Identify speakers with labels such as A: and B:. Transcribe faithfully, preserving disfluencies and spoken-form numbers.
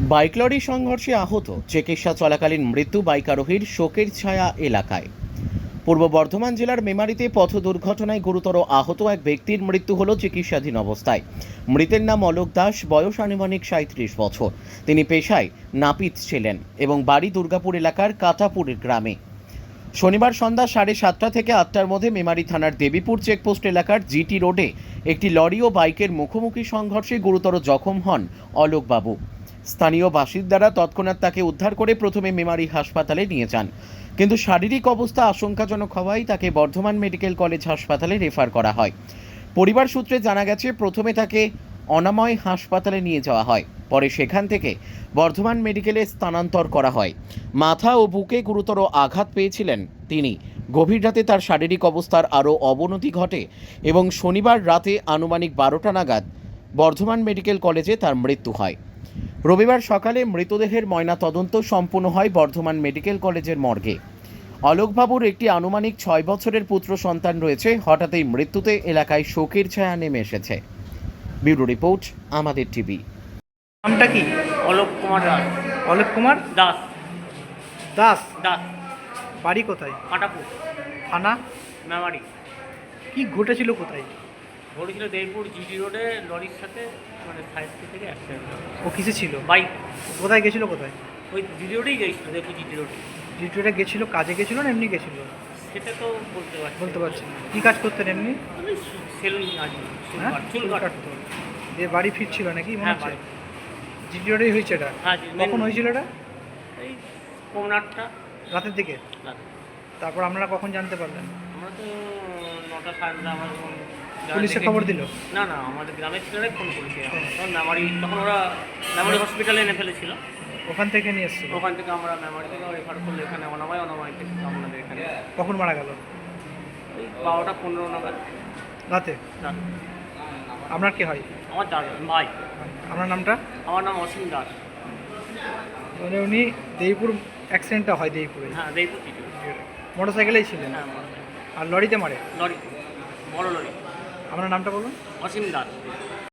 A: Bike lorry সংঘর্ষে আহত, চিকিৎসা চলাকালীন মৃত্যু বাইক আরোহীর, শোকের ছায়া এলাকায়। পূর্ব বর্ধমান জেলার মেমারিতে পথ দুর্ঘটনায় গুরুতর আহত এক ব্যক্তির মৃত্যু হল চিকিৎসাধীন অবস্থায়। মৃতের নাম অলোক দাস, বয়স আনুমানিক সাঁত্রিশ বছর। তিনি পেশায় নাপিত ছিলেন এবং বাড়ি দুর্গাপুর এলাকার কাটাপুরের গ্রামে। শনিবার সন্ধ্যা সাড়ে সাতটা থেকে আটটার মধ্যে মেমারি থানার দেবীপুর চেকপোস্ট এলাকার জিটি রোডে একটি লরি ও বাইকের মুখোমুখি সংঘর্ষে গুরুতর জখম হন অলোকবাবু। স্থানীয় বাসিন্দারা তৎক্ষণাৎ তাকে উদ্ধার করে প্রথমে মেমারি হাসপাতালে নিয়ে যান, কিন্তু শারীরিক অবস্থা আশঙ্কাজনক হওয়ায় তাকে বর্ধমান মেডিকেল কলেজ হাসপাতালে রেফার করা হয়। পরিবার সূত্রে জানা গেছে, প্রথমে তাকে অনাময় হাসপাতালে নিয়ে যাওয়া হয়, পরে সেখান থেকে বর্ধমান মেডিকেলে স্থানান্তর করা হয়। মাথা ও বুকে গুরুতর আঘাত পেয়েছিলেন তিনি। গভীর রাতে তার শারীরিক অবস্থার আরও অবনতি ঘটে এবং শনিবার রাতে আনুমানিক বারোটা নাগাদ বর্ধমান মেডিকেল কলেজে তার মৃত্যু হয়। রবিবার সকালে মৃতদেহের ময়নাতদন্ত সম্পূর্ণ হয় বর্ধমান মেডিকেল কলেজের মর্গে। অলোকবাবুর একটি আনুমানিক ছয় বছরের পুত্র সন্তান রয়েছে। হঠাৎই মৃত্যুতে এলাকায় শোকের ছায়া নেমে এসেছে। ব্যুরো রিপোর্ট, আমাদের টিভি।
B: নামটা কি?
C: অলোক কুমার দাস।
B: অলোক কুমার
C: দাস
B: দাস।
C: দাস
B: বাড়ি কোথায়?
C: কাটাপুর,
B: থানা?
C: মেমারি।
B: কি ঘটেছিল কোথায়?
C: ঘটেছিল দেবপুর জিটি রোডে লরির সাথে, মানে সাইড থেকে অ্যাক্সিডেন্ট।
B: ও কিসে ছিল?
C: বাইক
B: কোথায় গেছিল? কোথায়?
C: ওই জিটি রোডেই গেছিলো, দেবপুর জিটি রোডে।
B: ডিউটিটা গেছিল, কাজে গেছিল না এমনি গেছিল?
C: সেটা তো বলতে পারছি
B: বলতে পারছি না। কী কাজ করতেন এমনি?
C: আমি সেলুন আছি, চুল
B: হ্যাঁ,
C: কাট- চুল কাটতো।
B: দিয়ে বাড়ি ফিরছিল নাকি মনে
C: হ্যাঁ,
B: হচ্ছে?
C: বাড়ি।
B: জিটি রোডেই হয়েছে এটা?
C: হ্যাঁ,
B: কখন হয়েছিল এটা?
C: এই পৌনাটটা
B: রাতের দিকে?
C: রাতে।
B: তারপর আপনারা কখন জানতে পারলেন?
C: আমরা তো নটা সাড়ে নটা আমার যখন যারা
B: পুলিশে
C: দেখে-
B: খবর দিল?
C: না না, আমাদের গ্রামের ছেলেরাই ফোন করেছে। তখন মেমারি, তখন ওরা মেমারি হসপিটালে এনে ফেলেছিল।
B: ওখান থেকে নিয়ে এসেছিল?
C: ওখান থেকে আমরা মেমারি থেকে রেফার করলে এখানে অনামায় অনামায় থেকে আমাদের এখানে
B: কখন মারা গেল?
C: ওই বারোটা পনেরো নাগাদ
B: রাতে?
C: রাত।
B: আপনার কি হয়?
C: আমার দাদা ভাই।
B: আপনার নামটা?
C: আমার নাম অসীম দাস।
B: মানে উনি দেবীপুর অ্যাক্সিডেন্টটা হয় দেবীপুরে?
C: হ্যাঁ, দেখবো কিছু।
B: মোটর সাইকেলেই ছিলেন?
C: হ্যাঁ, আমার-
B: আর লরিতে মারে?
C: লরি, বড় লরি।
B: আপনার নামটা বলুন?
C: অসীম দাস।